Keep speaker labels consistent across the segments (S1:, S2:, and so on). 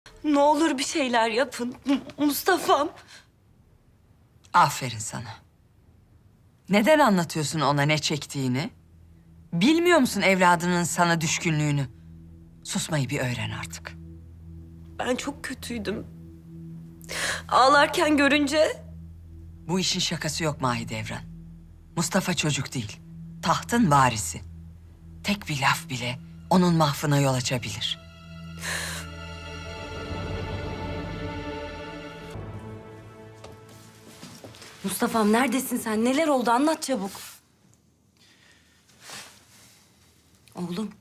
S1: Ne olur bir şeyler yapın. Mustafa'm.
S2: Aferin sana. Neden anlatıyorsun ona ne çektiğini? Bilmiyor musun evladının sana düşkünlüğünü? Susmayı bir öğren artık.
S1: Ben çok kötüydüm. Ağlarken görünce
S2: Bu işin şakası yok Mahidevran. Mustafa çocuk değil, tahtın varisi. Tek bir laf bile onun mahvına yol açabilir.
S1: Mustafa'm neredesin sen? Neler oldu? Anlat çabuk. Oğlum.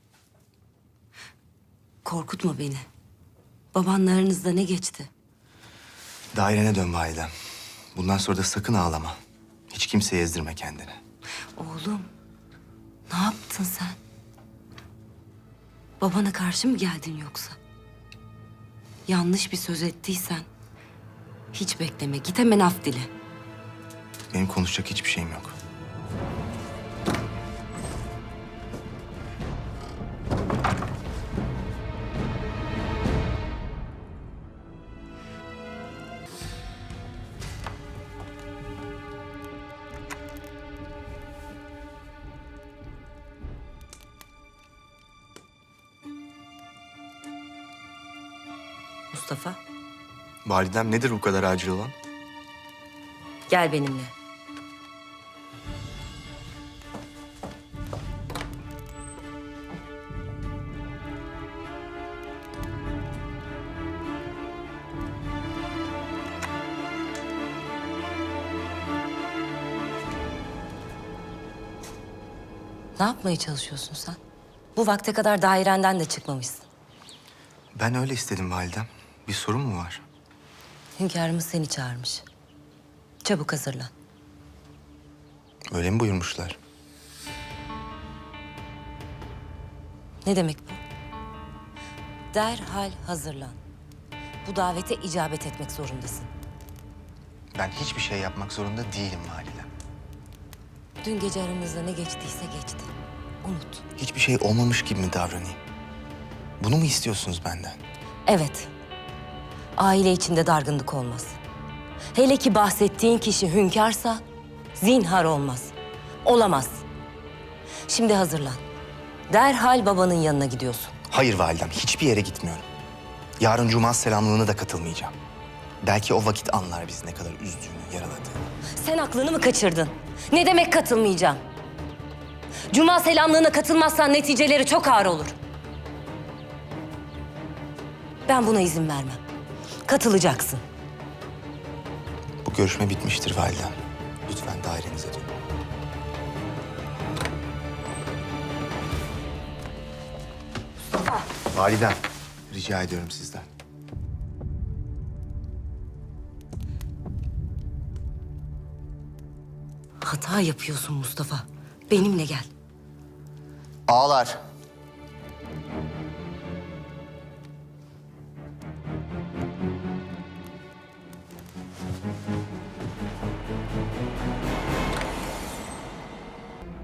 S1: Korkutma beni. Babanla aranızda ne geçti?
S3: Dairene dön validem. Bundan sonra da sakın ağlama. Hiç kimseye ezdirme kendini.
S1: Oğlum. Ne yaptın sen? Babana karşı mı geldin yoksa? Yanlış bir söz ettiysen hiç bekleme. Git hemen af dile.
S3: Benim konuşacak hiçbir şeyim yok.
S1: Mustafa,
S3: Validem nedir bu kadar acil olan?
S1: gel benimle. Ne yapmaya çalışıyorsun sen? Bu vakte kadar dairenden de çıkmamışsın.
S3: Ben öyle istedim validem. Bir sorun mu var?
S1: Hünkârımız seni çağırmış. Çabuk hazırlan.
S3: Öyle mi buyurmuşlar?
S1: Ne demek bu? Derhal hazırlan. Bu davete icabet etmek zorundasın.
S3: Ben hiçbir şey yapmak zorunda değilim validem.
S1: Dün gece aramızda ne geçtiyse geçti. Unut.
S3: Hiçbir şey olmamış gibi mi davranayım? Bunu mu istiyorsunuz benden?
S1: Evet. Aile içinde dargınlık olmaz. Hele ki bahsettiğin kişi hünkârsa zinhar olmaz. Olamaz. Şimdi hazırlan. Derhal babanın yanına gidiyorsun.
S3: Hayır validem, hiçbir yere gitmiyorum. Yarın Cuma selamlığına da katılmayacağım. Belki o vakit anlar bizi ne kadar üzdüğünü, yaraladığını.
S1: Sen aklını mı kaçırdın? Ne demek katılmayacağım? Cuma selamlığına katılmazsan neticeleri çok ağır olur. Ben buna izin vermem. Katılacaksın.
S3: Bu görüşme bitmiştir validem. Lütfen dairenize dönün. Validem, rica ediyorum sizden.
S1: Hata yapıyorsun Mustafa. Benimle gel.
S3: Ağlar.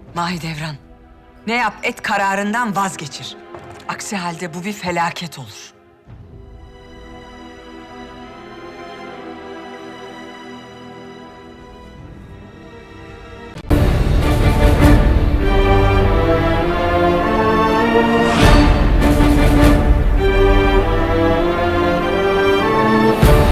S2: Mahidevran, ne yap et kararından vazgeçir. Aksi halde bu bir felaket olur.